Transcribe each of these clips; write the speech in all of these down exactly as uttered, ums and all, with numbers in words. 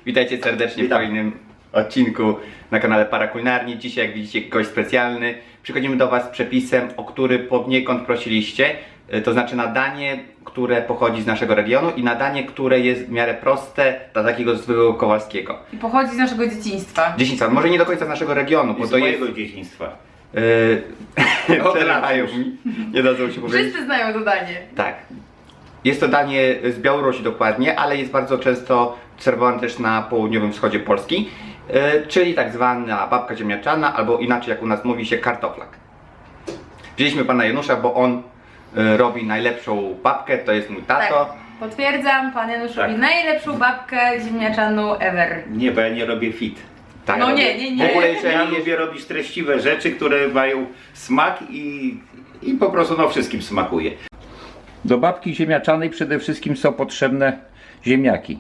Witajcie serdecznie Witam. w kolejnym odcinku na kanale Parakulinarni. Dzisiaj, jak widzicie, gość specjalny. Przychodzimy do Was z przepisem, o który poniekąd prosiliście. To znaczy na danie, które pochodzi z naszego regionu i na danie, które jest w miarę proste dla takiego zwykłego Kowalskiego. I pochodzi z naszego dzieciństwa. Dzieciństwa, może nie do końca z naszego regionu, bo Z to mojego jest... dzieciństwa. Yy, Od Przelewają lat mi, nie dadzą się powiedzieć. Wszyscy znają to danie. Tak. Jest to danie z Białorusi dokładnie, ale jest bardzo często serwowane też na południowym wschodzie Polski, yy, czyli tak zwana babka ziemniaczana, albo inaczej jak u nas mówi się kartoflak. Wzięliśmy pana Janusza, bo on yy, robi najlepszą babkę, to jest mój tato. Tak, potwierdzam, pan Janusz Tak. robi najlepszą babkę ziemniaczaną ever. Nie, bo ja nie robię fit. Tak, No robię. nie, nie, nie. W ogóle jeżeli Ja jest... lubię robić treściwe rzeczy, które mają smak i, i po prostu no wszystkim smakuje. Do babki ziemniaczanej przede wszystkim są potrzebne ziemniaki.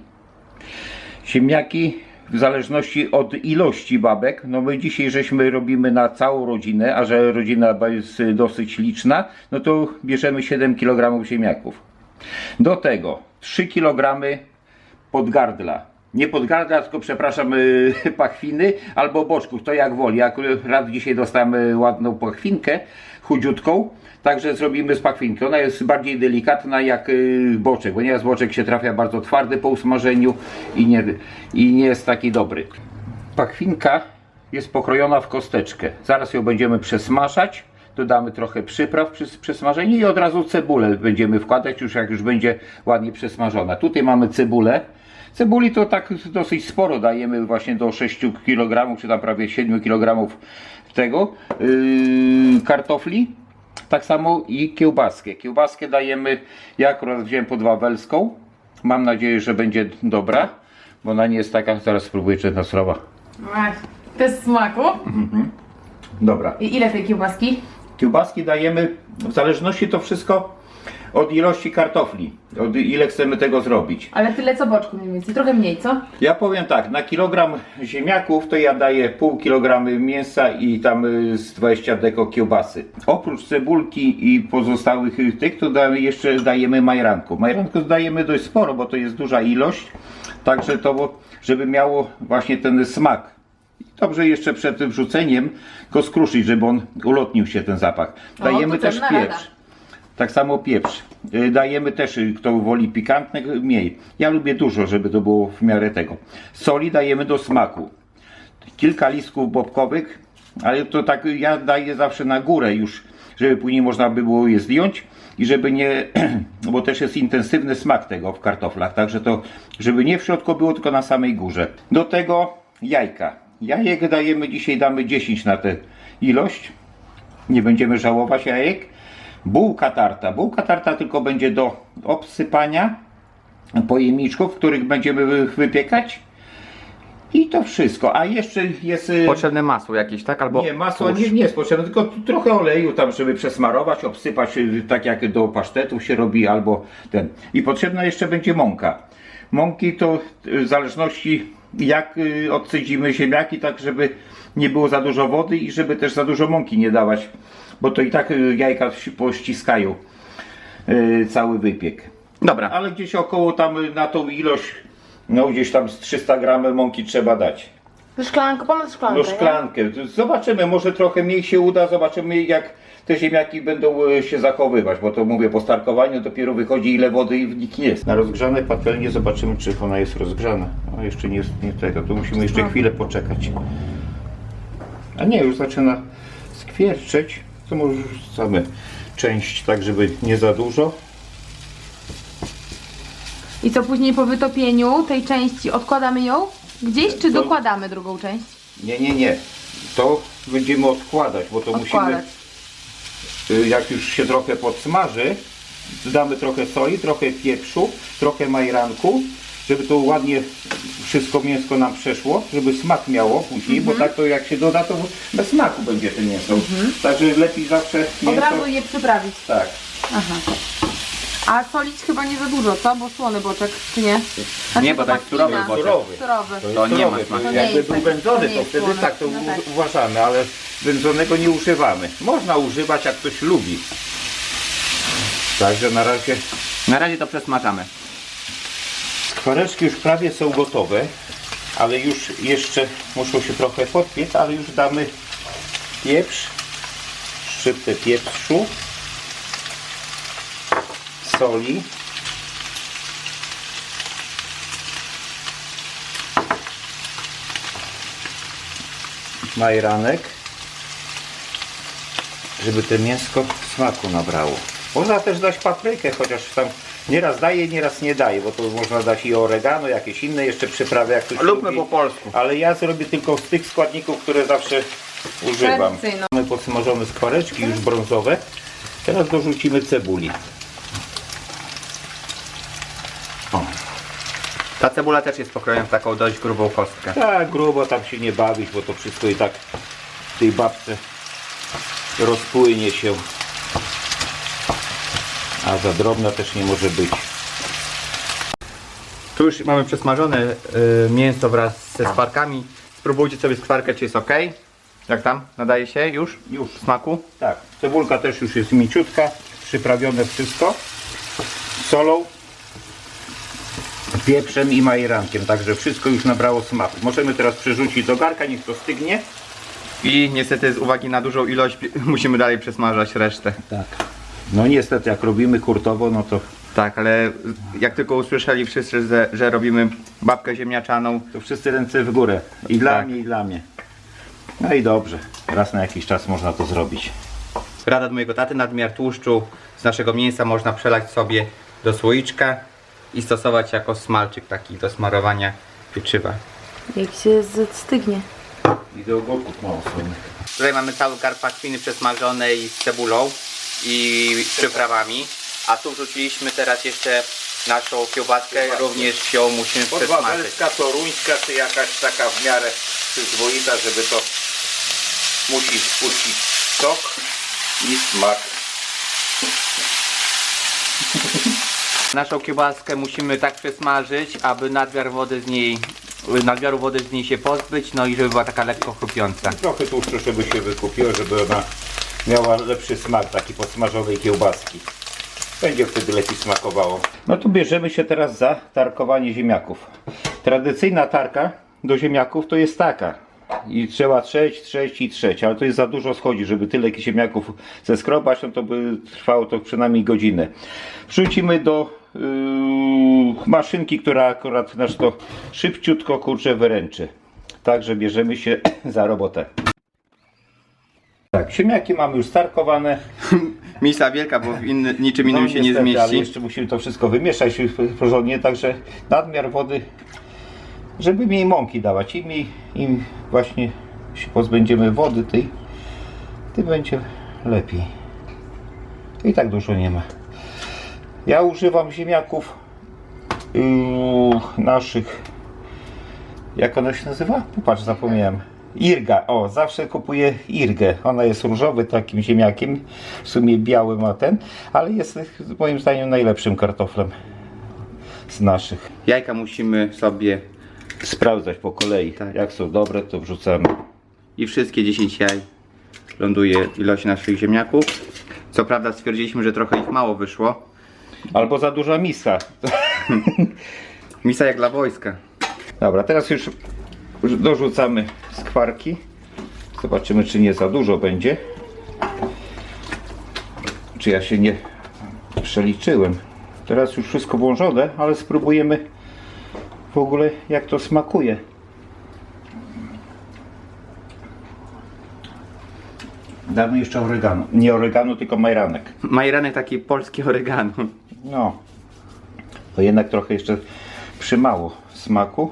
Ziemniaki w zależności od ilości babek, no my dzisiaj żeśmy robimy na całą rodzinę, a że rodzina jest dosyć liczna, no to bierzemy siedem kilogramów ziemniaków. Do tego trzy kilogramy podgardla. Nie podgardla, tylko przepraszam, yy, pachwiny albo boczków, to jak woli. Ja akurat dzisiaj dostałem ładną pachwinkę, chudziutką, także zrobimy z pachwinki. Ona jest bardziej delikatna jak yy, boczek, ponieważ boczek się trafia bardzo twardy po usmażeniu i nie, i nie jest taki dobry. Pachwinka jest pokrojona w kosteczkę. Zaraz ją będziemy przesmażać. Dodamy trochę przypraw przy przesmażeniu i od razu cebulę będziemy wkładać, już jak już będzie ładnie przesmażona. Tutaj mamy cebulę. Cebuli to tak dosyć sporo dajemy, właśnie do sześciu kilogramów, czy tam prawie siedmiu kilogramów tego, yy, kartofli. Tak samo i kiełbaskę. Kiełbaskę dajemy, ja akurat wziąłem podwawelską. Mam nadzieję, że będzie dobra, bo ona nie jest taka, zaraz spróbuję, czy jest srowa. Właśnie. Bez smaku. Dobra. I ile tej kiełbaski? Kiełbaski dajemy, w zależności to wszystko od ilości kartofli, od ile chcemy tego zrobić. Ale tyle co boczku mniej więcej, trochę mniej, co? Ja powiem tak, na kilogram ziemniaków to ja daję pół kilograma mięsa i tam y, z dwadzieścia deko kiełbasy. Oprócz cebulki i pozostałych y, tych, to damy, jeszcze dajemy majranku. Majranku dajemy dość sporo, bo to jest duża ilość, także to, żeby miało właśnie ten smak. Dobrze jeszcze przed wrzuceniem go skruszyć, żeby on ulotnił się ten zapach. Dajemy to też cenna pieprz. rada. Tak samo pieprz. Y, Dajemy też, y, kto woli pikantne, mniej. Ja lubię dużo, żeby to było w miarę tego. Soli dajemy do smaku. Kilka listków bobkowych, ale to tak ja daję zawsze na górę już, żeby później można by było je zdjąć i żeby nie, bo też jest intensywny smak tego w kartoflach, także to, żeby nie w środku było, tylko na samej górze. Do tego jajka. Jajek dajemy, dzisiaj damy dziesięć na tę ilość. Nie będziemy żałować jajek. Bułka tarta. Bułka tarta tylko będzie do obsypania pojemniczków, w których będziemy wypiekać. I to wszystko. A jeszcze jest... Potrzebne masło jakieś, tak? Albo Nie, masło tłuszcz. nie, nie jest potrzebne, tylko trochę oleju tam, żeby przesmarować, obsypać, y, tak jak do pasztetów się robi, albo ten. I potrzebna jeszcze będzie mąka. Mąki to y, w zależności jak y, odcedzimy ziemniaki, tak żeby nie było za dużo wody i żeby też za dużo mąki nie dawać, bo to i tak y, jajka się pościskają y, cały wypiek. Dobra. Ale gdzieś około tam y, na tą ilość, no gdzieś tam z trzysta gramów mąki trzeba dać. Szklankę, ponad szklankę. No szklankę. Zobaczymy, może trochę mniej się uda, zobaczymy jak te ziemniaki będą e, się zachowywać, bo to mówię, po starkowaniu dopiero wychodzi ile wody w nich jest. Na rozgrzane patelnie zobaczymy, czy ona jest rozgrzana. A jeszcze nie jest nie tego, to musimy jeszcze chwilę poczekać. A nie, już zaczyna skwierczeć, to może wrzucamy część tak, żeby nie za dużo. I co później po wytopieniu tej części odkładamy ją gdzieś, czy To- dokładamy drugą część? Nie, nie, nie. To będziemy odkładać, bo to Odkładać. musimy, y, jak już się trochę podsmaży, dodamy trochę soli, trochę pieprzu, trochę majranku, żeby to ładnie wszystko mięsko nam przeszło, żeby smak miało później, bo tak to jak się doda, to bez smaku będzie to mięso. Także lepiej zawsze mięso... Od razu je przyprawić. Tak. Aha. A solić chyba nie za dużo, co? Bo słony boczek, czy nie? Znaczy, Nie, bo to jest surowy pachwina. boczek. Surowy. Surowy. To nie ma surowy, smaku. To nie Jakby jest był tak- wędzony, to to, nie jest wtedy słone. tak to No tak. u- uważamy, ale wędzonego nie używamy. Można używać, jak ktoś lubi. Także na razie Na razie to przesmażamy. Skwareczki już prawie są gotowe. ale już jeszcze muszą się trochę podpiec, ale już damy pieprz, szczyptę pieprzu, soli, majeranek, żeby to mięsko smaku nabrało. Można też dać paprykę, chociaż tam nieraz daje, nieraz nie daje, bo to można dać i oregano, jakieś inne jeszcze przyprawy, jak ktoś Lubmy lubi. po polsku. Ale ja zrobię tylko z tych składników, które zawsze używam. Tradycyjną. Mamy posmażone skwareczki już brązowe. Teraz dorzucimy cebuli. O. Ta cebula też jest pokrojona w taką dość grubą kostkę. Tak, grubo tam się nie bawić, bo to wszystko i tak w tej babce rozpłynie się. A za drobna też nie może być. Tu już mamy przesmażone y, mięso wraz ze skwarkami. Spróbujcie sobie skwarkę, czy jest ok. Jak tam? Nadaje się już? Już. Smaku? Tak, cebulka też już jest mięciutka, przyprawione wszystko solą, pieprzem i majerankiem, także wszystko już nabrało smaku. Możemy teraz przerzucić do garka, niech to stygnie. I niestety z uwagi na dużą ilość musimy dalej przesmażać resztę. Tak. No niestety jak robimy hurtowo, no to, Tak, ale jak tylko usłyszeli wszyscy, że, że robimy babkę ziemniaczaną, to wszyscy ręce w górę. I dla Tak. mnie, i dla mnie. No i dobrze, raz na jakiś czas można to zrobić. rada od mojego taty, nadmiar tłuszczu z naszego mięsa można przelać sobie do słoiczka i stosować jako smalczyk taki do smarowania pieczywa. Jak się stygnie. I do ogórków mało słonych. Tutaj mamy cały garb pachwiny przesmażonej z cebulą i przyprawami, a tu wrzuciliśmy teraz jeszcze naszą kiełbaskę, również ją musimy przesmażyć. Podwawelska, toruńska, czy jakaś taka w miarę przyzwoita, żeby to musi spuścić sok i smak. Naszą kiełbaskę musimy tak przesmażyć, aby nadmiar wody z niej, nadmiaru wody z niej się pozbyć, no i żeby była taka lekko chrupiąca. Trochę tłuszczu, żeby się wykupiło, żeby ona miała lepszy smak taki podsmażonej kiełbaski. Będzie wtedy lepiej smakowało. No tu bierzemy się teraz za tarkowanie ziemniaków. Tradycyjna tarka do ziemniaków to jest taka. I trzeba trzeć, trzeć i trzeć, ale to jest za dużo schodzi, żeby tyle ziemniaków zeskrobać, no to by trwało to przynajmniej godzinę. Wrzucimy do yy, maszynki, która akurat nasz to szybciutko kurczę wyręczy. Także bierzemy się za robotę. Tak, ziemniaki mamy już starkowane. Misa wielka, bo w inny, niczym innym No, się niestety, nie ale zmieści. jeszcze musimy to wszystko wymieszać porządnie, także nadmiar wody, żeby mniej mąki dawać. Im, mniej, im właśnie się pozbędziemy wody tej, tym będzie lepiej. I tak dużo nie ma. Ja używam ziemniaków yy, naszych, jak ona się nazywa? Popatrz, zapomniałem. Irga, o, zawsze kupuję Irgę. Ona jest różowy takim ziemniakiem, w sumie biały ma ten, ale jest moim zdaniem najlepszym kartoflem z naszych. Jajka musimy sobie Sprawdzać po kolei, Tak. jak są dobre, to wrzucamy. i wszystkie dziesięć jaj ląduje w ilości naszych ziemniaków. Co prawda stwierdziliśmy, że trochę ich mało wyszło. Albo za duża miska. Misa jak dla wojska. Dobra, teraz już dorzucamy skwarki. Zobaczymy, czy nie za dużo będzie. Czy ja się nie przeliczyłem. Teraz już wszystko włożone, ale spróbujemy w ogóle jak to smakuje. Damy jeszcze oregano. Nie oregano, tylko majeranek. Majeranek taki polski oregano. No, to jednak trochę jeszcze przymało smaku.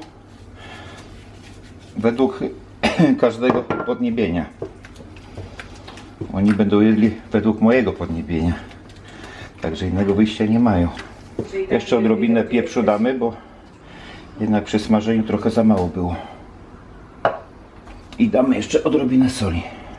Według każdego podniebienia. Oni będą jedli według mojego podniebienia. Także innego wyjścia nie mają. Jeszcze odrobinę pieprzu damy, bo jednak przy smażeniu trochę za mało było. I damy jeszcze odrobinę soli.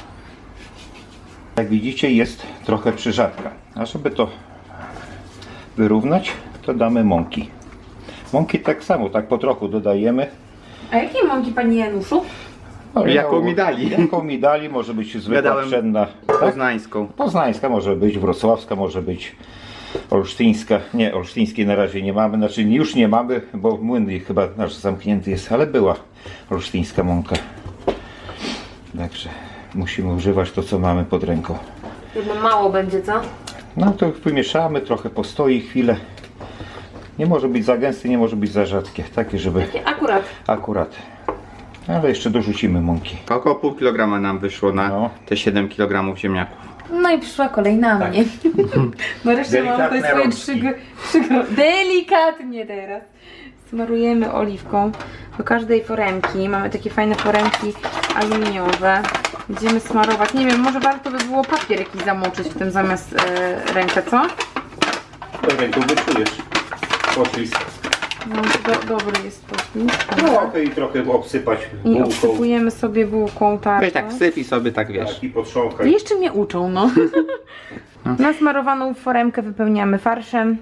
Jak widzicie, jest trochę przyrzadka. A żeby to wyrównać, to damy mąki. Mąki tak samo, tak po trochu dodajemy. A jakie mąki, panie Januszu? No, Jaką mi dali. Jaką mi dali, może być zwykła Gadałem pszenna. Tak? Poznańską. Poznańska może być, wrocławska może być. olsztyńska, nie, olsztyńskiej na razie nie mamy, znaczy już nie mamy, bo młyn chyba nasz zamknięty jest, ale była olsztyńska mąka. Także musimy używać to, co mamy pod ręką. Jedno mało będzie, co? No to wymieszamy, trochę postoi chwilę. Nie może być za gęsty, nie może być za rzadkie, takie żeby Takie akurat. akurat. Ale jeszcze dorzucimy mąki. Około pół kilograma nam wyszło na No. te siedem kilogramów ziemniaków. No i przyszła kolej na mnie. Nareszcie mam tutaj Delikatne swoje rączki. trzy, gr- trzy gro- Delikatnie teraz. Smarujemy oliwką do każdej foremki. Mamy takie fajne foremki aluminiowe. Będziemy smarować. Nie wiem, może warto by było papier jakiś zamoczyć w tym zamiast e, rękę, co? Ręką wyczujesz poślizg. No, do, dobry jest poślizg. Trochę i trochę obsypać I bułką. obsypujemy sobie bułką tarczą. Weź tak wsyp i sobie tak wiesz. Tak, i potrząkaj. Jeszcze mnie uczą, no. Nasmarowaną foremkę wypełniamy farszem.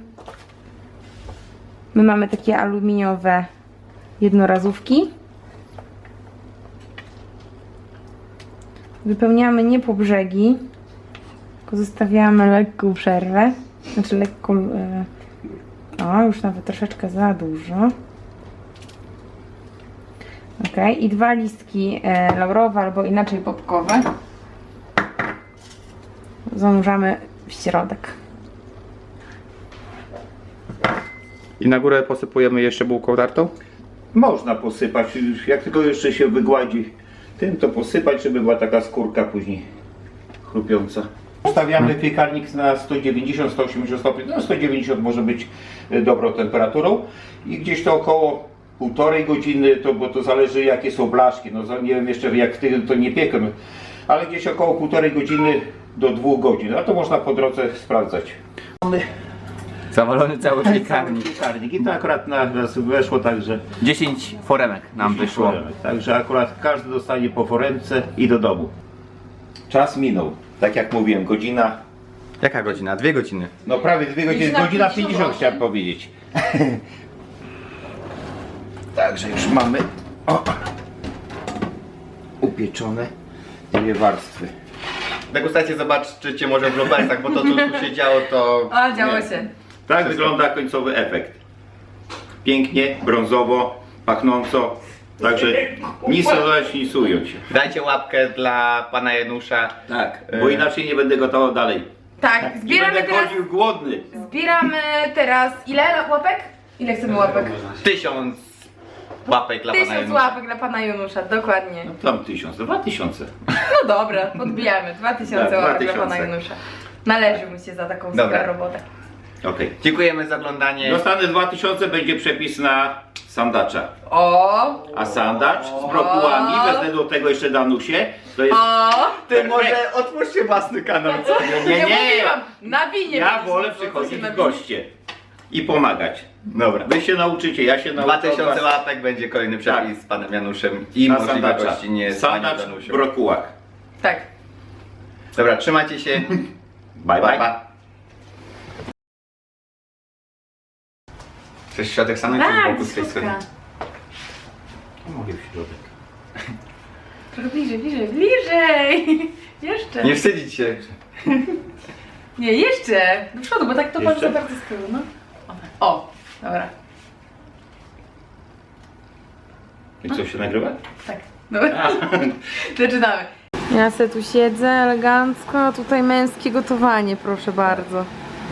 My mamy takie aluminiowe jednorazówki. Wypełniamy nie po brzegi, tylko zostawiamy lekką przerwę. Znaczy lekko... e, O, już nawet troszeczkę za dużo. Ok, i dwa listki e, laurowe albo inaczej bobkowe zanurzamy w środek. I na górę posypujemy jeszcze bułką tartą? Można posypać, jak tylko jeszcze się wygładzi tym, to posypać, żeby była taka skórka później chrupiąca. Ustawiamy piekarnik na sto dziewięćdziesiąt do stu osiemdziesięciu stopni, no sto dziewięćdziesiąt może być e, dobrą temperaturą i gdzieś to około półtorej godziny, to, bo to zależy jakie są blaszki, no za- nie wiem jeszcze jak ty to nie piekę, ale gdzieś około półtorej godziny do dwóch godzin, a to można po drodze sprawdzać. Zawalony cały piekarnik. Piekarnik i to akurat na nas weszło, także dziesięć foremek nam wyszło. Także akurat każdy dostanie po foremce i do domu. Czas minął, tak jak mówiłem, godzina, Jaka godzina? Dwie godziny. no prawie dwie godziny, Godzina godzina pięćdziesiąt pięćdziesiąt osiem. chciałem powiedzieć. Także już mamy o, upieczone dwie warstwy. Degustację zobaczycie może w Robertach, bo to co tu się działo to... A, działo nie. się. Tak wygląda końcowy efekt. Pięknie, brązowo, pachnąco. Także nic dodać, nic ująć. Dajcie łapkę dla pana Janusza. Tak, bo inaczej nie będę gotował dalej. Tak, I zbieramy będę teraz, chodził głodny. zbieramy teraz ile łapek? Ile chcemy łapek? Tysiąc łapek dla pana Tysiąc Janusza. łapek dla pana Janusza, dokładnie. Tam tysiąc, dwa tysiące. No dobra, podbijamy. Dwa tysiące Tak, łapek dwa dla pana tysiące. Janusza. Należy mu się za taką Dobra. super robotę. Okej. Dziękujemy za oglądanie. Dostanę dwa tysiące, będzie przepis na sandacza. O! A sandacz z brokułami, wezmę do tego jeszcze danusie. To jest... O! Ty może otwórzcie własny kanał. Nie, nie, Ja nie. mówiłam, na winie. Ja byliśmy, wolę bo to przychodzić się na w winie. goście i pomagać. Dobra. Wy się nauczycie, ja się nauczę. Dwa od tysiące was. łapek będzie kolejny przepis z panem Januszem i Na możliwe sandacza. gościnie z panią Sandacz w Danusią. brokułach. Tak. Dobra, trzymajcie się. Bye bye. Pa. Chcesz środek stanąć czy z Tak, boku z tej strony? słuchaj. Mogę w środek. Trochę bliżej, bliżej, bliżej! Jeszcze. Nie wstydzić się. Nie, jeszcze! Do przodu, bo tak to patrz Jeszcze? za bardzo z tyłu, no. O, dobra. I co, się nagrywa? Tak, dobra. Zaczynamy. Ja se tu siedzę elegancko, a tutaj męskie gotowanie, proszę bardzo.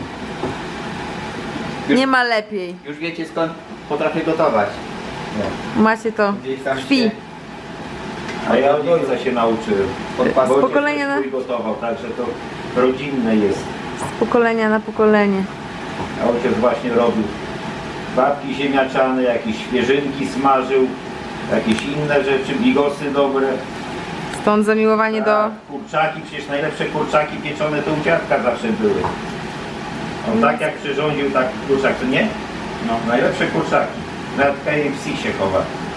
Już- Nie ma lepiej. Już wiecie skąd potrafię gotować. Macie to Gdzieś tam krwi. się A ja od ojca się nauczyłem. Od Bo ojciec pokolenia na- też gotował, także to rodzinne jest. Z pokolenia na pokolenie. A ojciec właśnie robił babki ziemniaczane, jakieś świeżynki smażył, jakieś inne rzeczy, bigosy dobre. Stąd zamiłowanie do... Tak, kurczaki, przecież najlepsze kurczaki pieczone to u dziadka zawsze były. On tak jak przyrządził, tak kurczak, to nie? No, najlepsze kurczaki. Nawet K F C się chowa.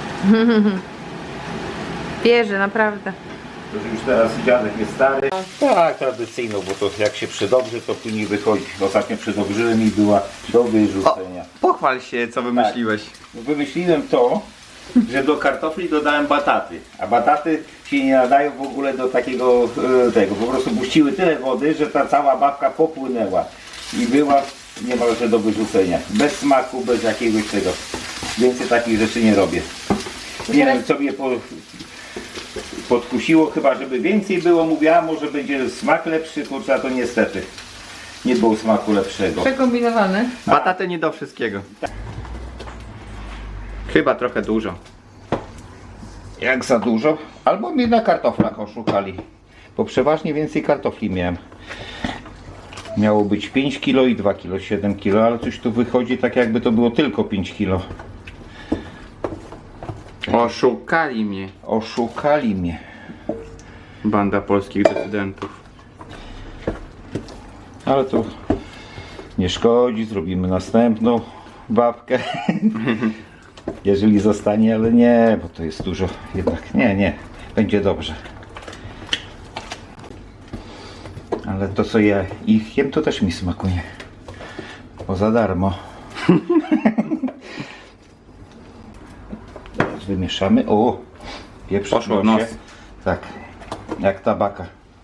Wierzę, naprawdę. To, że już teraz dziadek jest stary. Tak, tradycyjną, bo to jak się przydobrzy, to później wychodzi. Ostatnio przydobrzyłem i była do wyrzucenia. Pochwal się, co wymyśliłeś. Wymyśliłem to, że do kartofli dodałem bataty, a bataty się nie nadają w ogóle do takiego e, tego, po prostu puściły tyle wody, że ta cała babka popłynęła i była niemalże do wyrzucenia. Bez smaku, bez jakiegoś tego. Więcej takich rzeczy nie robię. Nie wiem, co mnie po, podkusiło, chyba żeby więcej było. Mówiła, może będzie smak lepszy, kurczę, a to niestety nie było smaku lepszego. Przekombinowany. Bataty nie do wszystkiego. Chyba trochę dużo. Jak za dużo? Albo mnie na kartoflach oszukali. Bo przeważnie więcej kartofli miałem. Miało być pięć kilo i dwa kilo, siedem kilo, ale coś tu wychodzi tak jakby to było tylko pięć kilo. Oszukali mnie. Oszukali mnie. Banda polskich decydentów. Ale to nie szkodzi, zrobimy następną babkę. Jeżeli zostanie, ale nie, bo to jest dużo. Jednak nie, nie, będzie dobrze. Ale to co ja ich jem, to też mi smakuje. Bo za darmo. Teraz wymieszamy. O! Pieprz Poszło w nosie. nos. Tak, jak tabaka.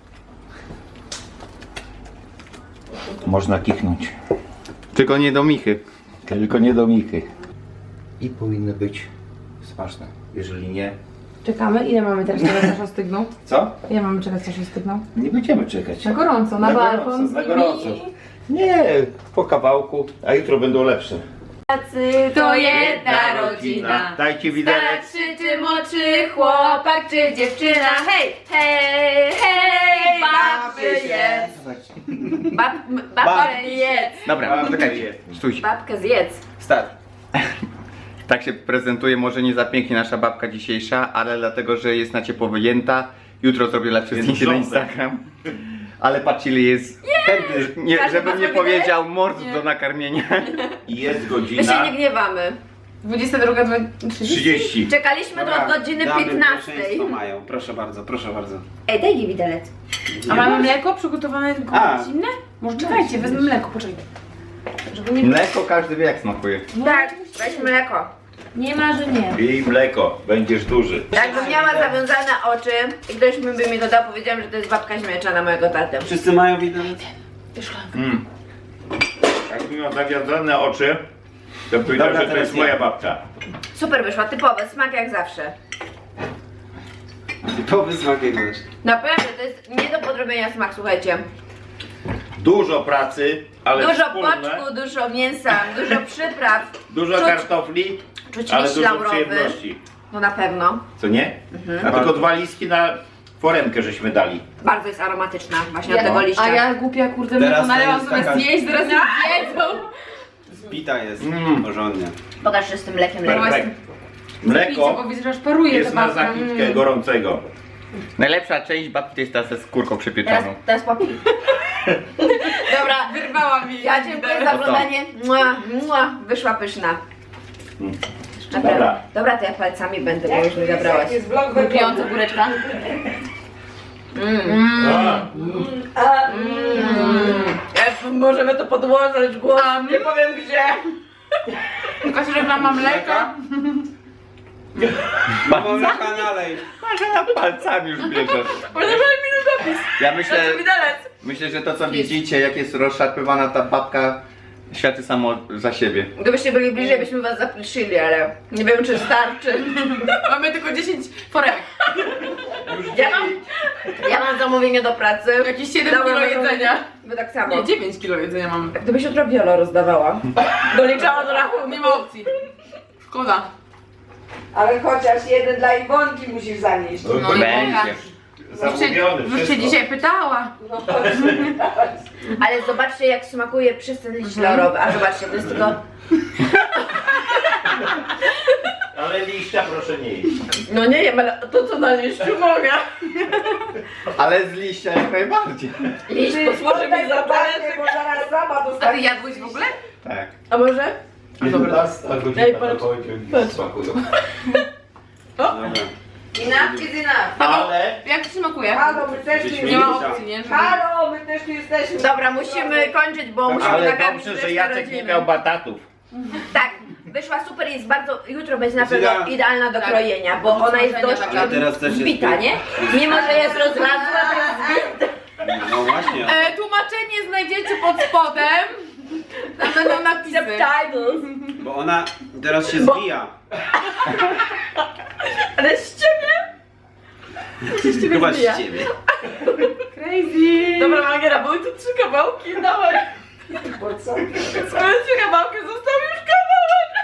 Można kichnąć. Tylko nie do michy. Tylko nie do michy. I powinny być smaczne. Jeżeli nie... Czekamy. Ile mamy teraz czekać, aż ostygną? Co? Ile mamy czekać, aż ostygną? Nie będziemy czekać. Na gorąco, na, Na balkon gorąco, z na nimi. gorąco. Nie, po kawałku, a jutro będą lepsze. To jedna rodzina. Dajcie widelec. Starszy czy młodszy, chłopak czy dziewczyna. Hej, hej, hej, babky jedz. Bab, babkę jedz. Dobra, czekajcie. Stój. Babkę zjedz. Start. Tak się prezentuje, może nie za pięknie nasza babka dzisiejsza, ale dlatego, że jest na ciepło wyjęta. Jutro zrobię lepsze Jest zdjęcie na brzązek. Instagram. Ale patrzcie, ile jest chętny, nie, Każdy żebym ma nie swój powiedział mord Nie. do nakarmienia. I jest My się godzina nie gniewamy. dwudziesta druga, trzydzieści. Czekaliśmy do od godziny damy piętnastej. pierwszeństwo mają. Proszę bardzo, proszę bardzo. Ej, daj mi widelec. A mamy mleko przygotowane A. zimne? Może czekajcie, wezmę mleko, poczekaj. Żeby nie... Mleko każdy wie jak smakuje. Tak, weź mleko. Nie ma, że nie. Pij mleko, będziesz duży. Jakbym miała zawiązane oczy i ktoś mi by mi dodał, powiedziałam, że to jest babka śmieszana mojego taty. Wszyscy mają widelec? Mm. Jakbym miał zawiązane oczy, to powiedział, Dobra, że to teraz jest moja ja. babcia. Super wyszła, typowy, smak jak zawsze. Typowy smak jak masz. Naprawdę, to jest nie do podrobienia smak, słuchajcie. Dużo pracy, ale Dużo wspólne. boczku, dużo mięsa, dużo przypraw. Dużo Czuć- kartofli, Czuć ale liść dużo laurowy. przyjemności. No na pewno. Co nie? A tylko dwa listki na foremkę żeśmy dali. Bardzo jest aromatyczna właśnie Ja- od tego liścia. A ja głupia, kurde, Teraz mleko to nalewam jest zamiast taka- jeść, teraz nie jedzą. Zbita jest Mm. porządnie. Pokaż, że z tym mlekiem Dobra, lepiej. Perfekt. Picie, bo Mleko widzę, że aż paruje jest ta na babka. zakitkę Mm. gorącego. Najlepsza część babki to jest ta ze skórką Teraz, przypieczoną. teraz popij. Dobra, Wyrwała mi. ja dziękuję za No to. oglądanie. Mua, mua, wyszła pyszna. Mm. Dobra. Dobra. Dobra, to ja palcami będę, bo już mi zabrałaś. Wypijąca góreczka. A, Mm. Możemy to podłożyć głos. Nie powiem gdzie. Tylko że reklama mleka. Mamo na kanale. Marzena palcami już bierze. Może mi dopis. Ja myślę, Widelec. myślę, że to co widzicie, jak jest rozszarpywana ta babka, świadczy samo za siebie. Gdybyście byli bliżej, byśmy was zaprosili, ale nie wiem czy starczy. Mamy tylko dziesięć foremek. Ja mam, ja mam zamówienie do pracy. Jakieś siedem Dobra, kilo no, jedzenia. Wy tak samo. Nie, dziewięć kilo jedzenia mamy. Gdybyś jutro wiolo rozdawała. Doliczała do rachunku. Nie ma opcji. Szkoda. Ale chociaż jeden dla Iwonki musisz zanieść. No, No i Będzie. Boga. zamówiony, Już cię wszystko. dzisiaj pytała. No chodź. Ale zobaczcie jak smakuje przez ten liść laurowy. A zobaczcie, to jest tylko... Ale liścia proszę nie jeść. No nie wiem, ale to co na liściu mogę. Ale z liścia jak najbardziej. Liść Ty posłuży mi oddaj za babkę, talerzyk. bo zaraz sama A ty dostaniesz. jadłeś w ogóle? Tak. A może? jedenasta godzina Ej, to patrz. powiedział, smakują. Dobra. Enough is enough. Ale Jak ci smakuje? Halo, my też tu Żeśmy Nie ma jesteśmy. opcji, nie? Żeby- Halo, my też tu jesteśmy. Dobra, musimy kończyć, bo musimy ale nakarmić dobrze, że resztę Jacek nie rodziny. miał batatów. Tak, wyszła super, jest bardzo, jutro będzie na pewno Zyna. idealna do Tak. krojenia, bo Do ona jest smażenia dość taka. A teraz też jest zbita, nie? Mimo, że jest rozlazła, to jest zbita. No właśnie. E, tłumaczenie znajdziecie pod spodem. Tam będą napisy. Subtitles. Bo ona teraz się zwija. Ale z ciebie? Chyba z zwija. ciebie. Crazy. Dobra, Magiera, były tu trzy kawałki, dawaj. Po co? Mamy trzy kawałki, został już kawałek.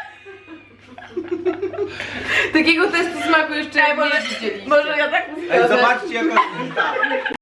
Takiego testu smaku jeszcze Ej, nie może, widzieliście. może ja tak Ej, mówię. zobaczcie jaka zbita.